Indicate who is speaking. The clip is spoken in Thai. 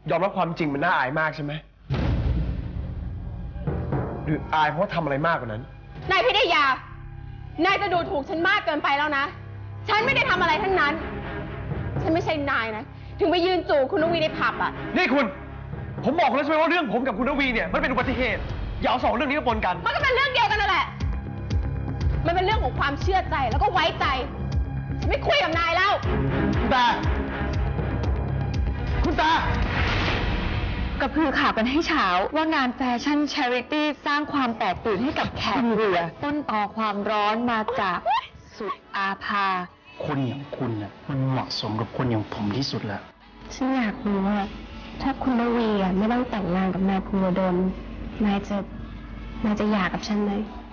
Speaker 1: ยอมรับความจริงมันน่าอายมากใช่ไหมหรืออายเพราะว่าทำอะไรมากกว่านั้น
Speaker 2: นายพิทยานายจะดูถูกฉันมากเกินไปแล้วนะฉันไม่ได้ทำอะไรทั้งนั้นฉันไม่ใช่นายนะถึงไปยืนจู่คุณนวีในผับอ่ะ
Speaker 1: นี่คุณผมบอกแล้วใช่ไหมว่าเรื่องผมกับคุณนวีเนี่ยมันเป็นอุบัติเหตุอย่าเอาสองเรื่องนี้มาปนกัน
Speaker 2: มันก็เป็นเรื่องเดียวกันนั่นแหละมันเป็นเรื่องของความเชื่อใจแล้วก็ไว้ใจฉันไม่คุยกับนายแล้ว
Speaker 1: คุณตา
Speaker 3: ก็คือข่าวกันให้เช้าว่างานแฟชั่น Charity สร้างความแตกตื่นให้กับแขกเรือต้นตอความร้อนมาจากสุดอาภา
Speaker 4: คนอย่างคุณน่ะมันเหมาะสมกับคนอย่างผมที่สุดแล้ว
Speaker 3: ฉันอยากรู้ว่าถ้าคุณนวีไม่ต้องแต่งงานกับนายภูวดลนายจะหย่ากับฉันไหม